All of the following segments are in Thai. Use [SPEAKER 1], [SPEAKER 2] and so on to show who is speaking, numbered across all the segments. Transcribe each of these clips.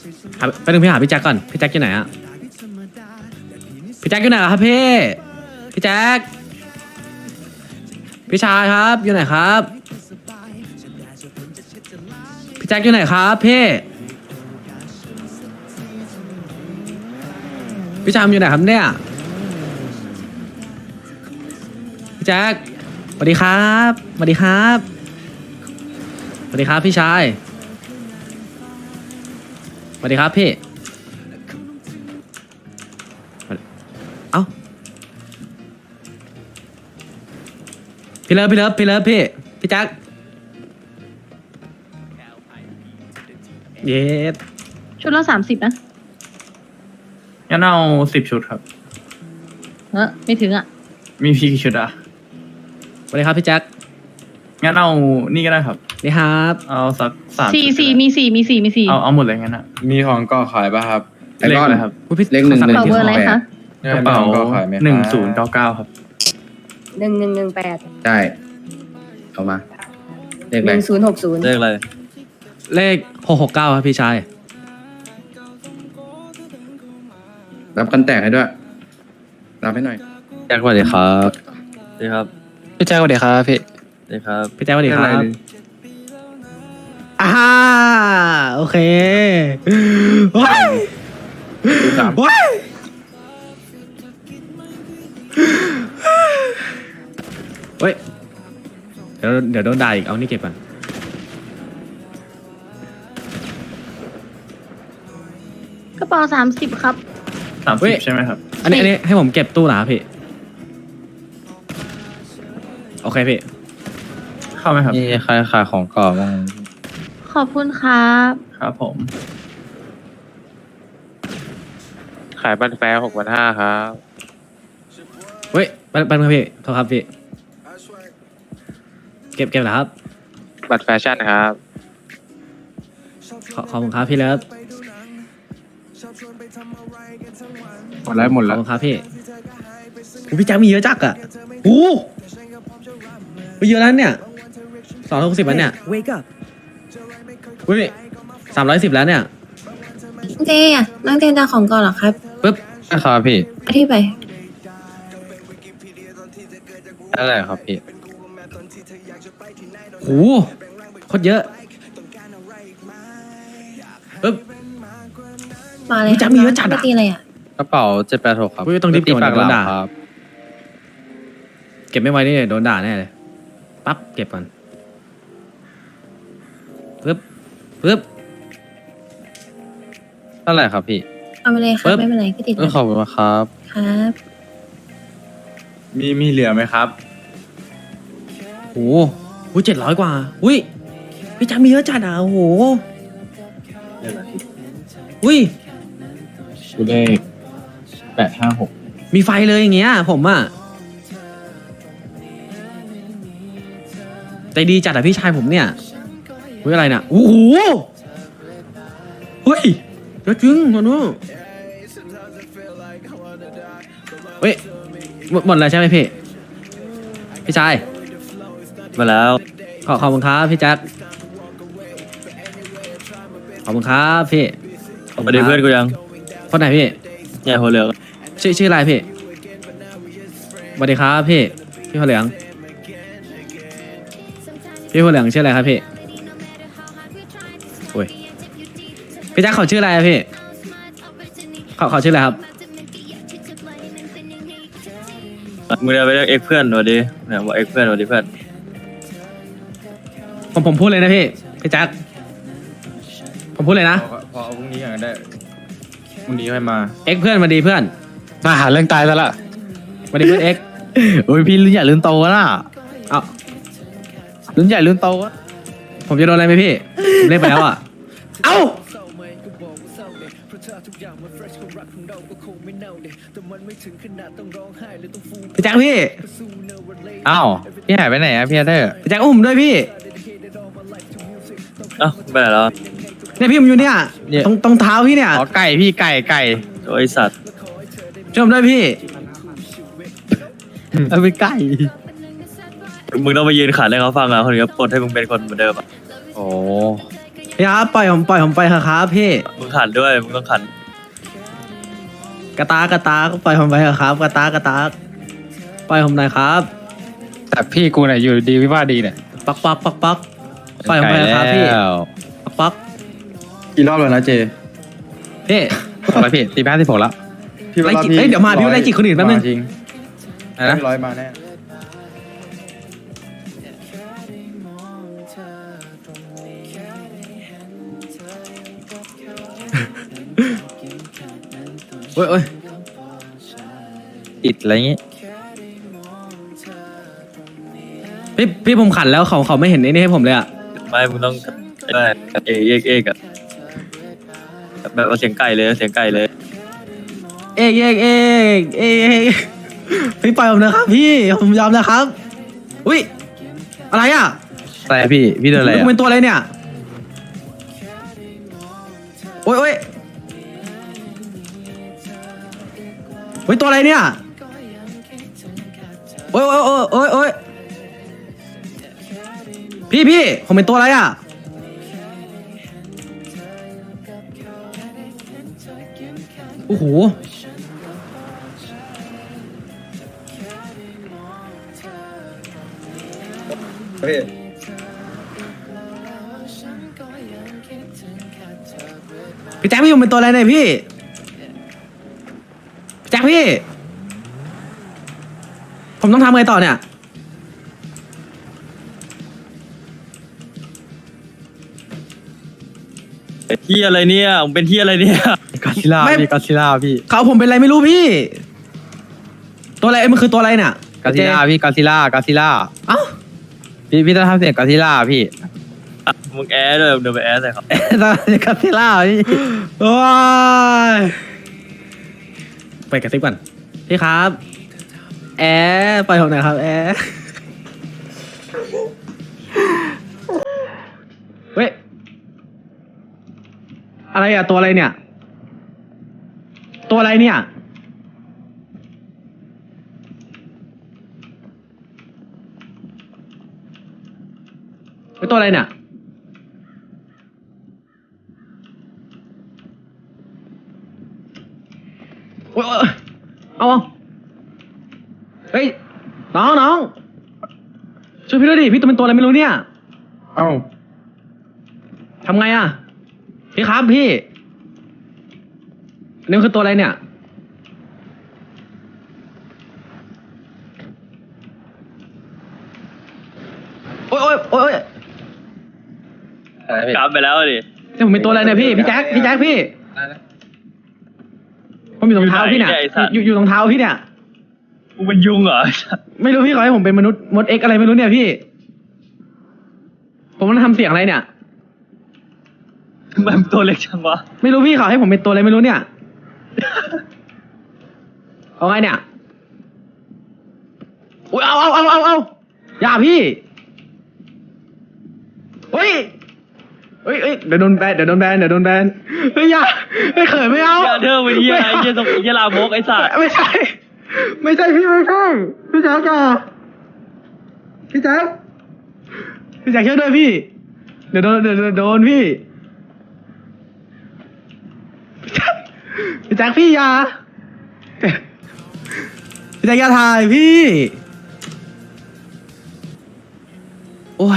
[SPEAKER 1] ไปนึงพี่หาพี่แจ็คก่อนพี่แจ็คอยู่ไหนอะพี่แจ็คอยู่ไหนครับพี่พี่แจ็คพี่ชายครับอยู่ไหนครับพี่แจ็คอยู่ไหนครับพี่ชายอยู่ไหนครับเนี่ยพี่แจ็คสวัสดีครับสวัสดีครับสวัสดีครับพี่ชายสวัสดีครับพี่เอ้าพี่เลิฟพี่แจ็คเย็ด
[SPEAKER 2] ชุดละ30นะ
[SPEAKER 3] งั้นเอา10 ชุดครับ
[SPEAKER 2] ไม่ถึงอ่ะ
[SPEAKER 3] มีพี่กี่ชุดอ่ะ
[SPEAKER 1] สวัสดีครับพี่แจ็ค
[SPEAKER 3] งั้นเอานี่ก็ได้ครับ
[SPEAKER 1] นี่ครับ
[SPEAKER 3] เอาสัก3
[SPEAKER 2] สี่
[SPEAKER 3] ชุด
[SPEAKER 2] สี่
[SPEAKER 3] ก็ได้
[SPEAKER 2] มีสี่
[SPEAKER 3] เอาหมดเลยงั้นอ่ะ
[SPEAKER 4] มีของก่อขายป่ะครับ
[SPEAKER 3] เลขอะไรครับ
[SPEAKER 1] อุ๊ยพี่
[SPEAKER 4] เลขหนึ่ง
[SPEAKER 1] ขอสั่
[SPEAKER 2] เป่าเบอร์อะไรคะ
[SPEAKER 3] กระเป๋า
[SPEAKER 4] มีของก่อขายไหมครับ
[SPEAKER 3] 1099ครับ
[SPEAKER 5] 1118
[SPEAKER 4] ใช่เอามาเลขอะไร
[SPEAKER 5] 1060
[SPEAKER 6] เลขอะไร
[SPEAKER 1] เลข669ครับพี่ชาย
[SPEAKER 4] รับกันแตกให้ด้วยรับให้หน่อย
[SPEAKER 6] แจ็คสวัสดีครับสวัสดีครับ
[SPEAKER 7] พี่แจ๊คสวัสดีครับพี่
[SPEAKER 6] สวัสดีครับ
[SPEAKER 1] พี่แจ็คสวัสดีค
[SPEAKER 3] เลข
[SPEAKER 1] รั
[SPEAKER 3] อะไร
[SPEAKER 1] บโอเคว้ายว้ายเฮ้ยเดี๋ยวโดนด่าอีกเอานี่เก็บก่อน
[SPEAKER 2] กระเป๋า30ครับ
[SPEAKER 3] 30ใช่ไหมครับ
[SPEAKER 1] อันนี้ให้ผมเก็บตู้เหรอครับพี่โอเคพี่
[SPEAKER 3] เข้าไหมครับ
[SPEAKER 6] นี่ใครขายของก่อนบ้าง
[SPEAKER 2] ขอบคุณครับ
[SPEAKER 3] ครับผม
[SPEAKER 7] ขายบันแฟร์6,500ครับ
[SPEAKER 1] เฮ้ยปันครับพี่โทษครับพี่เก็บเหรอครับ
[SPEAKER 7] บัตรแฟชั่นครับ
[SPEAKER 1] ขอบคุณครับพี่เลิฟ
[SPEAKER 4] หมดแล้วหมด
[SPEAKER 1] ข
[SPEAKER 4] แล้
[SPEAKER 1] อบ
[SPEAKER 4] ว
[SPEAKER 1] คุณครับพี่โอ้พี่แจ็คมีเยอะจักอะโอ้เยอะแล้วเนี่ย260แล้วเนี่ยอุ้ย310แล้วเนี่ย
[SPEAKER 5] เจ๊อะนั่งเจนดาของก่อนเหรอครับ
[SPEAKER 1] ปึ๊บ
[SPEAKER 6] นะครับพี่
[SPEAKER 5] อธิบาย
[SPEAKER 6] อะไรครับพี่
[SPEAKER 1] โหโคตรเยอะปึ๊บ
[SPEAKER 5] มาเลย
[SPEAKER 1] พี่แจ๊คมีเยอะจัดอะ
[SPEAKER 5] ไม่ตีอะไรอ่ะ
[SPEAKER 6] กระเป๋า786ครับ
[SPEAKER 1] อุ๊ยต้องรีบเก็บ
[SPEAKER 6] ปาก
[SPEAKER 1] โดน
[SPEAKER 6] ห
[SPEAKER 1] ด่า
[SPEAKER 6] ลามครับ
[SPEAKER 1] เก็บไม่ไว้นี่โดนด่าแน่เลยปั๊บเก็บก่อนปึ๊บ
[SPEAKER 6] เท่าไหร่ครับพี่
[SPEAKER 5] เอาไปเลยครั
[SPEAKER 1] ปึ๊
[SPEAKER 5] บบ ไม่เป็นไรก็ติด
[SPEAKER 6] ขอบคุณครับ
[SPEAKER 5] ครับ
[SPEAKER 4] มีเหลือไหมครับ
[SPEAKER 1] โอ้โห700กว่าอุ้ยพี่แจ็คมีเยอะจัดอ่ะโอ้โหอุ้ย
[SPEAKER 3] เลข856
[SPEAKER 1] มีไฟเลยอย่างเงี้ยผมอ่ะใจดีจัดอ่ะพี่ชายผมเนี่ยเฮ้ยอะไรน่ะโอ้โหเฮ้ยเยอะจริงมันว่าเฮ้ยหมดแล้วใช่ไหมพี่ชาย
[SPEAKER 6] มาแล้ว
[SPEAKER 1] ขอบคุณครับพี่แจ็คขอบคุณครับพี่
[SPEAKER 6] สวัสดีเพื่อนกูยัง
[SPEAKER 1] คนไหนพี่
[SPEAKER 6] เนี่ยหัวเหลือง
[SPEAKER 1] ชื่ออะไรพี่สวัสดีครับพี่หัวเหลืองหัวเหลืองชื่ออะไรครับพี่โอ้ยพี่แจ็คเขาชื่ออะไรอะพี่เขาชื่ออะไรครับ
[SPEAKER 6] มึงเดินไปเรียกเอ็กเพื่อนสวัสดีเนี่ยบอกเอ็กเพื่อนสวัสดีเพื่อน
[SPEAKER 1] ผมพูดเลยนะพี่แจ็คผมพูดเลยนะ
[SPEAKER 4] พอเอาพรุ่งนี้กันได้พรุ่งนี้ค่อยมา
[SPEAKER 1] เอ็กเพื่อนมาดีเพื่อน
[SPEAKER 7] มาหาเรื่องตายซะละ
[SPEAKER 1] มาดีเพื่อนเอ็ก
[SPEAKER 6] โอ้ยพี่รุ่นใหญ่รุ่นโตนะ
[SPEAKER 1] เอา
[SPEAKER 6] รุ่นใหญ่รุ่นโตอะ
[SPEAKER 1] ผมจะโดนอะไรไหมพี่ผมเล่นไปแล้วอ่ะเอ้าพี่แจ็คพี่
[SPEAKER 6] อ้าวพี่หายไปไหนอะพี่เธอ
[SPEAKER 1] พี่แจ็คอุ้มผมด้วยพี่
[SPEAKER 6] เอ้าไปไหนแล้ว
[SPEAKER 1] เนี่ยพี่ผมอยู่เนี่ย
[SPEAKER 6] เนี่ย
[SPEAKER 1] ตรงเท้าพี่เนี่ย
[SPEAKER 6] อ๋อไก่พี่ไก่โอ้ยสัตว์
[SPEAKER 1] ช่วยผมด้วยพี่
[SPEAKER 6] เอาไปไก่มึงต้องไปยืนขันให้เขาฟังอ่ะคนนี้ก็ปลดให้มึงเป็นคนเหมือนเดิมอ่ะโอ้
[SPEAKER 1] พี่ครับปล่อยผมไปเถอะครับพี่
[SPEAKER 6] มึงขันด้วยมึงต้องขัน
[SPEAKER 1] กระตากปล่อยผมไปเถอะครับกระตากปล่อยผมหน่อยครับ
[SPEAKER 7] แต่พี่กูเนี่ยอยู่ดีวิวาทดีเนี่ย
[SPEAKER 1] ปักปล่อยผมไปเถอะครับพี่ปัก
[SPEAKER 4] กี่รอบแล้วนะเจ
[SPEAKER 1] พี่
[SPEAKER 7] บอกเลยพี่ตีแพ้ที่ผมแล้ว
[SPEAKER 4] พี่ว่า
[SPEAKER 1] ไล่จิเอ้ยเดี๋ยวมาพี่ไล่จิคนอื่นแป๊บนึง
[SPEAKER 4] จริง
[SPEAKER 7] อะไรนะ
[SPEAKER 4] ร้อยมาแน่
[SPEAKER 1] โอ้ย
[SPEAKER 6] อิดอะไรอย่างงี้
[SPEAKER 1] พี่ผมขันแล้วเขาไม่เห็นไอ้นี่ให้ผมเลยอะ
[SPEAKER 6] ไม่มึงต้องได้เอกอะแบบเอาเสียงไก่เลยเสียงไก่เลย
[SPEAKER 1] เอกพี่ปล่อยผมนะครับพี่ผมยอมนะครับ อุ้ยอะไรอะ
[SPEAKER 6] แต่พี่โดนอะไร
[SPEAKER 1] ผมเป็นตัวอะไรเนี่ยโอ้ยตัวอะไรเนี่ยโอ้ยพี่ผมเป็นตัวอะไรอ่ะโอ้โหพี่แจ็คพี่ผมเป็นตัวอะไรเนี่ยพี่แจ็คพี่ผมต้องทำไงต่อเนี่ย
[SPEAKER 6] ที่อะไรเนี่ยมึงเป็นที่อะไรเนี่ย
[SPEAKER 7] กอซิล่าพี่กอซิล่าพี่
[SPEAKER 1] เขาผมเป็นอะไรไม่รู้พี่ ตัวอะไรมันคือตัวอะไรเนี่ย
[SPEAKER 7] กอซิล่าพี่กอซิล่ากอซิล่า
[SPEAKER 1] เอ้า
[SPEAKER 7] พี่ต้องทำเสียงกอซิล่าพี่
[SPEAKER 6] มึงแอร์ด้วยเดินไปแอร์ใส่เขา
[SPEAKER 7] กอซิล่าพี่
[SPEAKER 1] โอ้ยไปกระซิบก่อนพี่ครับแอร์ปล่อยผมหน่อยครับแอร์เฮ้ยอะไรอ่ะตัวอะไรเนี่ยตัวอะไรเนี่ยเป็นตัวอะไรเนี่ยโอ้ยเอาเฮ้ยน้องช่วยพี่ด้วยดิพี่ตัวเป็นตัวอะไรไม่รู้เนี่ย
[SPEAKER 4] เอ้า
[SPEAKER 1] ทำไงอ่ะพี่ครับพี่นี่มันคือตัวอะไรเนี่ยโอ้ย
[SPEAKER 6] กลับไปแล้วดิ
[SPEAKER 1] นี่ผมเป็นตัวอะไรเนี่ยพี่แจ็คพี่ผมอยู่ตรงเท้าพี่เนี่ยอยู่ตรงเท้าพี่เนี่ย
[SPEAKER 6] มึงเป็นยุงเหรอ
[SPEAKER 1] ไม่รู้พี่ขอให้ผมเป็นมนุษย์มดเอ็กอะไรไม่รู้เนี่ยพี่ ผมต้องทำเสียงอะไรเนี่ย
[SPEAKER 6] มันตัวเล็กจังวะ
[SPEAKER 1] ไม่รู้พี่ขอให้ผมเป็นตัวอะไรไม่รู้เนี่ย เอาไงเนี่ยอุ้ยเอาอย่าพี่เฮ้ยเดี๋ยวโดนแบนเฮ้ยอย่าไม่เขินไม่เอา
[SPEAKER 6] อย่าเดินไปที่อะไรเยี่ยสมเยี่ยลามกไอ้สัตว์
[SPEAKER 1] ไม่ใช่พี่แจ๊คอย่าพี่แจ๊คช่วยด้วยพี่เดี๋ยวโดนพี่พี่แจ๊คพี่อย่าพี่แจ๊คอย่าถ่ายพี่โอ้ย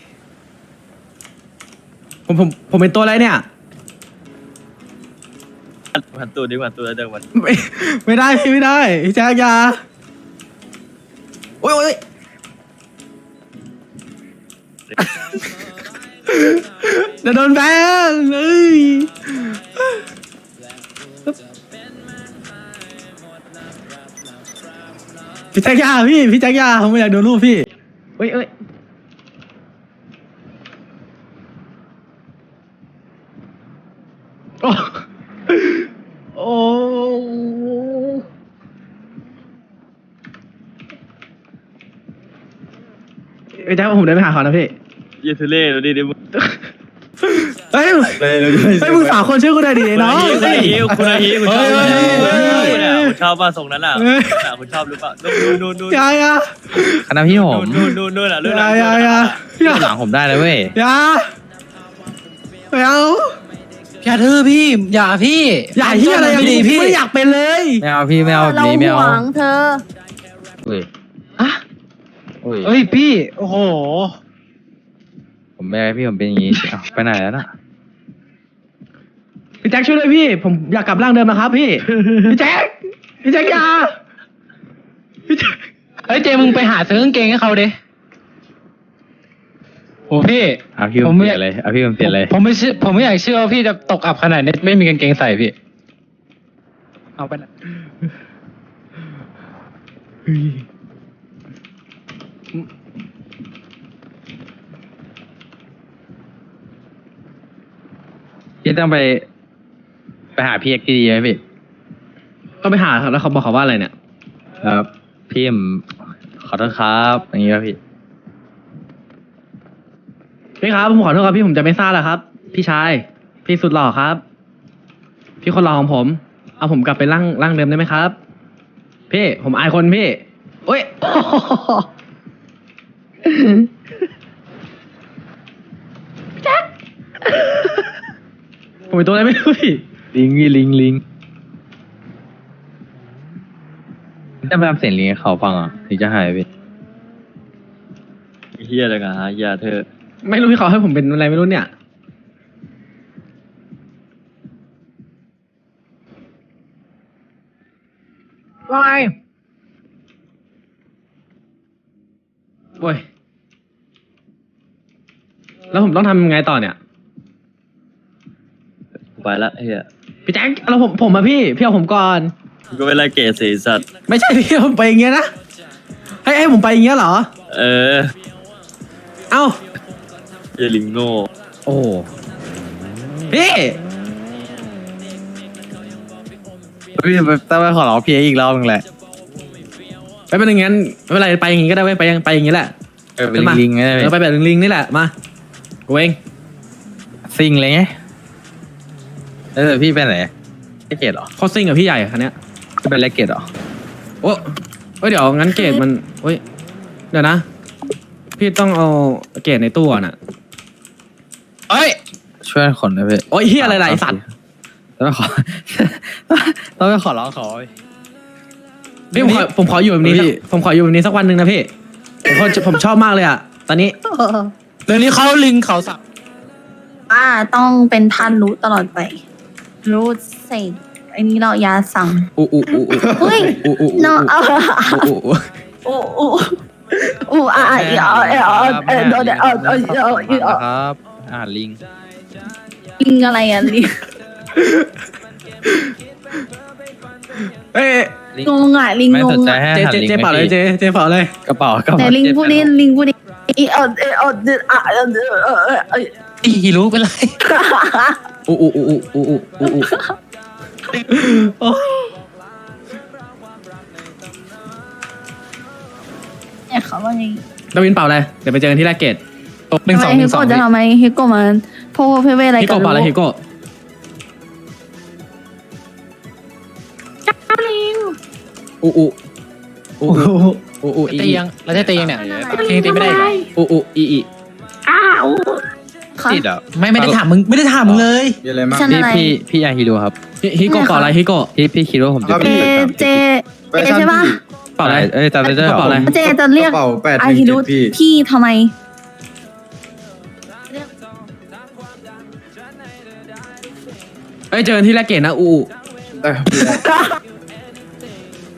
[SPEAKER 1] ผมเป็นตัวอะไรเนี่ย
[SPEAKER 6] หันตัวดิหันตัวเดินมัน
[SPEAKER 1] ไม่ได้พี่ไม่ได้พี่แจ๊คอย่าโอ้ยเดี๋ยวโดนแบนเลยพี่แจ๊คอย่าพี่แจ๊คอย่าผมไม่อยากโดนรูปพี่เอ้ยโอ้พี่แจ๊คผมเดินไปหาเขานะพี่
[SPEAKER 6] เยี่ยทุเล่ดูดิมึง
[SPEAKER 1] เฮ้ยมึงสาวคนชื่อกูได้ดีน้อง
[SPEAKER 6] คุณอาฮิวคุณชอบ
[SPEAKER 1] เฮ้ย
[SPEAKER 6] คุณชอบป่ะทรงนั้นอ่ะคุณชอบหรือเปล่านู่น
[SPEAKER 1] อย่า
[SPEAKER 7] คณะพี่ผม
[SPEAKER 6] นู่นอ่ะ
[SPEAKER 1] อย่า
[SPEAKER 7] หลังผมได้เลยเว้ย
[SPEAKER 1] อย่าไม่เอา
[SPEAKER 8] อย่าทื่อพี่ อย่าพี่
[SPEAKER 1] อย่าเฮียอะไรอย่างนี้
[SPEAKER 8] พี่
[SPEAKER 1] ไม่อยากเป็นเลย
[SPEAKER 7] ไม่เอาพี่ไม่เอาแบบ
[SPEAKER 2] เรา
[SPEAKER 7] นี้ไม่
[SPEAKER 2] ห
[SPEAKER 7] เอา
[SPEAKER 2] วังเธอ
[SPEAKER 7] อุ้ย
[SPEAKER 8] อะ
[SPEAKER 7] อุ้ย
[SPEAKER 8] เอ้ยพี่ โอ้โห
[SPEAKER 7] ผมไม่ให้พี่ผมเป็นอย่างนี้เอาไปไหนแล้วน่ะ
[SPEAKER 1] พี่แจ็คช่วยด้วยพี่ ผมอยากกลับร่างเดิมนะครับพี่ พี่แจ็คอย่าพี่แจ็ค
[SPEAKER 8] เฮ้ยเจมึงไปหาซื้อกางเกงให้เขาดิโอ้พี่
[SPEAKER 7] เอาพี่ผมเปลี่ยนเลยเอาพี่ผมเปลี่ยนเลย
[SPEAKER 8] ผมไม่อยากเชื่อว่าพี่จะตกอับขนาดนี้ไม่มีกางเกงใส่พี่ เอาไปนะ
[SPEAKER 7] พี่ต้องไปหาพี่เอ็กซ์ดีๆไหมพี่
[SPEAKER 1] ต้องไปหาครับแล้วเขาบอกเขาว่าอะไรเนี่ย
[SPEAKER 7] ครับพี่ผมขอโทษครับอย่างนี้ครับพี่
[SPEAKER 1] พี่ครับผมขอโทษครับพี่ผมจะไม่ซ่าแล้วครับ พี่ชายพี่สุดหล่อครับ พี่คนหล่อของผม เอาผมกลับไปร่างเดิมได้ไหมครับ พี่ผมอายคนพี่โอ้ย พี่แจ็คผมเป็นตัวอะไรไม่รู้พี่
[SPEAKER 7] ลิงพี่ลิงจะไปทำเสียงลิงให้เขาฟังอ่ะถึงจะหายพี่
[SPEAKER 6] เฮียเลยนะอย่าเธอ
[SPEAKER 1] ไม่รู้พี่เขาให้ผมเป็นอะไรไม่รู้เนี่ย
[SPEAKER 8] ว่าไง
[SPEAKER 1] โอ้ย แล้วผมต้องทำยังไงต่อเนี่ย
[SPEAKER 6] ไปละเฮีย
[SPEAKER 1] พี่แจ็คแล้วผมมาพี่เอาผมก่อน
[SPEAKER 6] มึงก็เป็นไรเกศสีสัตว์
[SPEAKER 1] ไม่ใช่พี่ผมไปอย่างเงี้ยนะ ให้ผมไปอย่างเงี้ยเหรอ
[SPEAKER 6] เออ
[SPEAKER 1] เอ้า
[SPEAKER 6] เยลิงโง่
[SPEAKER 1] โอ้พี่
[SPEAKER 7] พี่ต้องไปขอร้องพี่อีกรอบนึงแหละ
[SPEAKER 1] ไปเป็นอย่างงั้นไม่เป็นไรไปอย่างงี้ก็ได้เว้ยไปอย่างงี้แหละ
[SPEAKER 7] เป็นลิงๆไง
[SPEAKER 1] ไปแบบลิงๆนี่แหละมากูเอง
[SPEAKER 7] ซิงเลยไงพี่ไปไหนเลกเกตเหรอ
[SPEAKER 1] โคตรซิ่งกับพี่ใหญ่คันเนี้ย
[SPEAKER 7] จะเป็นเลกเกตเหรอ
[SPEAKER 1] โอ้เดี๋ยวงั้นเกรดมันเฮ้ยเดี๋ยวนะ พี่ต้องเอาเกรดในตู้ก่อนอ่ะ
[SPEAKER 7] เอ้ยช่วยขนหน่อยพี่
[SPEAKER 1] โอ้ยเฮียอะไรล่ะไอสัตว์
[SPEAKER 7] ต้องไปขอ ต้องไปขอร้องเขา
[SPEAKER 1] พี่ผมขออยู่แบบนี้สักผมขออยู่แบบนี้สักวันหนึ่งนะพี่ผมชอบมากเลยอ่ะตอนนี้
[SPEAKER 8] เดี๋ยวนี้เขาลิงเขาสับ
[SPEAKER 5] ว่าต้องเป็นท่านรู้ตลอดไป รู้เสกไอ้นี้เรายาสั่ง
[SPEAKER 1] อู้อู้อู้อู้
[SPEAKER 5] เฮ้ย
[SPEAKER 1] อู้อู้
[SPEAKER 5] เนาะเอา
[SPEAKER 1] อู้อู้
[SPEAKER 5] อู้อ่ะโดน
[SPEAKER 7] ครับลิง
[SPEAKER 5] ลิงอะไรอ่ะลิง
[SPEAKER 1] เอ้ย
[SPEAKER 5] งงอ่ะลิง
[SPEAKER 7] ไม่
[SPEAKER 5] ง
[SPEAKER 7] สน
[SPEAKER 5] ง
[SPEAKER 7] ใจ
[SPEAKER 5] อ่ะ
[SPEAKER 7] ให้
[SPEAKER 1] เจเป่าเลยเจเป่าเลย
[SPEAKER 7] กระเป๋า
[SPEAKER 5] แต่ลิงพูดนี้ลิงพูดนี้
[SPEAKER 8] อีรู้เป็นไร
[SPEAKER 1] อู้อู้อู้อู้อู้อู้อู้โอ้
[SPEAKER 5] เนี่ยเขาว่าไง
[SPEAKER 1] ดาวินเป่าเลยเดี๋ยวไปเจอกันที่แรกเกต
[SPEAKER 8] หนึ่ง
[SPEAKER 5] ทำ
[SPEAKER 8] ส
[SPEAKER 5] ไม
[SPEAKER 8] องห
[SPEAKER 5] ฮิ
[SPEAKER 8] นึ่งส
[SPEAKER 5] โก
[SPEAKER 8] อง
[SPEAKER 5] จะทำไมฮิโกมันโพเพเวอะไร
[SPEAKER 1] ฮิ
[SPEAKER 5] กั
[SPEAKER 1] โก
[SPEAKER 5] น
[SPEAKER 1] เป่าเลยฮิโกอู้อู้อู้อู้อู้อี
[SPEAKER 8] ตียังเราจะตียังเนี่ยตียังตีไม่ได้เหรอ
[SPEAKER 1] อู้อู้อี
[SPEAKER 7] ติดอ่ะ
[SPEAKER 8] ไม่ได้ถามมึงไม่ได้ถามมึงเลย
[SPEAKER 4] มีอะไรมาก
[SPEAKER 5] ฉันอะไร
[SPEAKER 7] พี่ยาฮิโร่ครับ
[SPEAKER 1] ฮิโกเป่าอะไรฮิโก
[SPEAKER 7] พี่คิดว่าผมจะเป็น
[SPEAKER 5] เจใช่ปะ
[SPEAKER 1] เป่าอะไร
[SPEAKER 7] จำได้ด้วยเหรอ
[SPEAKER 1] เป่าอะไร
[SPEAKER 5] เจจะเรียก
[SPEAKER 4] เป่าแปด
[SPEAKER 5] อาฮิรุพี่ทำไม
[SPEAKER 1] เอ้ยเจอกันที่แรกเกตนะอู้
[SPEAKER 4] ได้ครับพี่ได้